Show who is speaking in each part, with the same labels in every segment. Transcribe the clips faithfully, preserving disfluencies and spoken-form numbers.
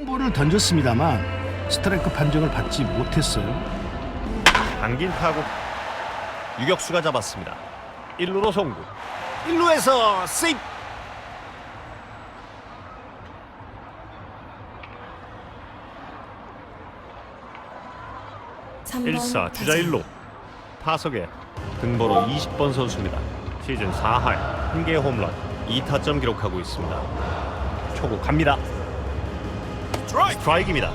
Speaker 1: 볼을 던졌습니다만 스트라이크 판정을 받지 못했어요.
Speaker 2: 당긴 타구 유격수가 잡았습니다. 일 루로 송구, 일 루에서 세이프. 일 사 주자 일 루. 타석에 등번호 이십 번 선수입니다. 시즌 사 할 한 개의 홈런, 이 타점 기록하고 있습니다. 초구 갑니다. 스트라이크입니다.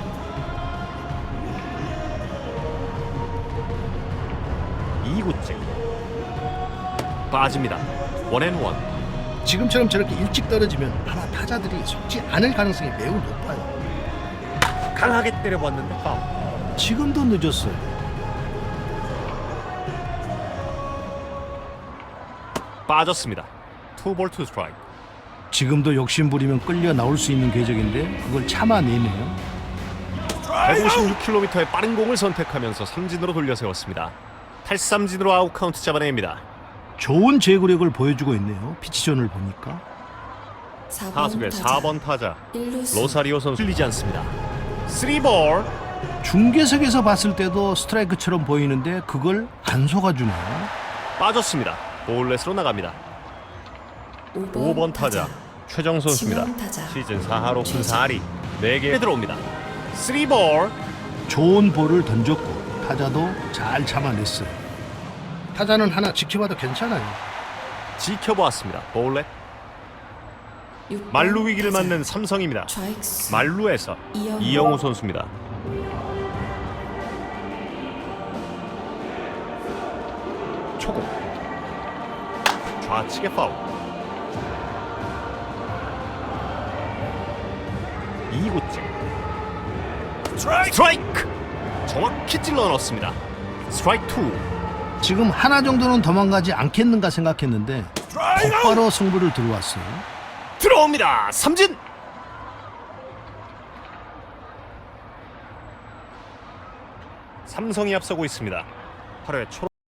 Speaker 2: 이 구째 빠집니다. 원앤원.
Speaker 1: 지금처럼 저렇게 일찍 떨어지면 아마 타자들이 속지 않을 가능성이 매우 높아요.
Speaker 2: 강하게 때려봤는데 파울.
Speaker 1: 지금도 늦었어요.
Speaker 2: 빠졌습니다. 투볼 투 스트라이크.
Speaker 1: 지금도 욕심부리면 끌려 나올 수 있는 궤적인데 그걸 참아내네요.
Speaker 2: 백오십육 킬로미터의 빠른 공을 선택하면서 삼진으로 돌려 세웠습니다. 탈삼진으로 아웃 카운트 잡아냅니다.
Speaker 1: 좋은 제구력을 보여주고 있네요. 피치존을 보니까.
Speaker 2: 타석의 사 번 타자
Speaker 3: 일루수.
Speaker 2: 로사리오 선수 흘리지 않습니다. 쓰리 볼.
Speaker 1: 중계석에서 봤을 때도 스트라이크처럼 보이는데 그걸 안 속아주네요.
Speaker 2: 빠졌습니다. 볼넷으로 나갑니다. 오 번 타자 최정 선수입니다.
Speaker 3: 지명 타자.
Speaker 2: 시즌 사 할 오픈 사 할이 네 개 들어옵니다. 쓰리 볼.
Speaker 1: 좋은 볼을 던졌고 타자도 잘 참아냈어요. 타자는 하나 지켜봐도 괜찮아요.
Speaker 2: 지켜보았습니다. 볼넷.
Speaker 3: 육 번
Speaker 2: 만루 위기를
Speaker 3: 타자.
Speaker 2: 맞는 삼성입니다.
Speaker 3: 좌익수.
Speaker 2: 만루에서
Speaker 3: 이영우.
Speaker 2: 이영우 선수입니다. 초구 좌측의 파울. 이 구째 스트라이크. 정확히 찔러 넣었습니다. 스트라이크 투.
Speaker 1: 지금 하나 정도는 도망가지 않겠는가 생각했는데 곧바로 승부를 들어왔어요.
Speaker 2: 들어옵니다. 삼진. 삼성이 앞서고 있습니다. 팔 회 초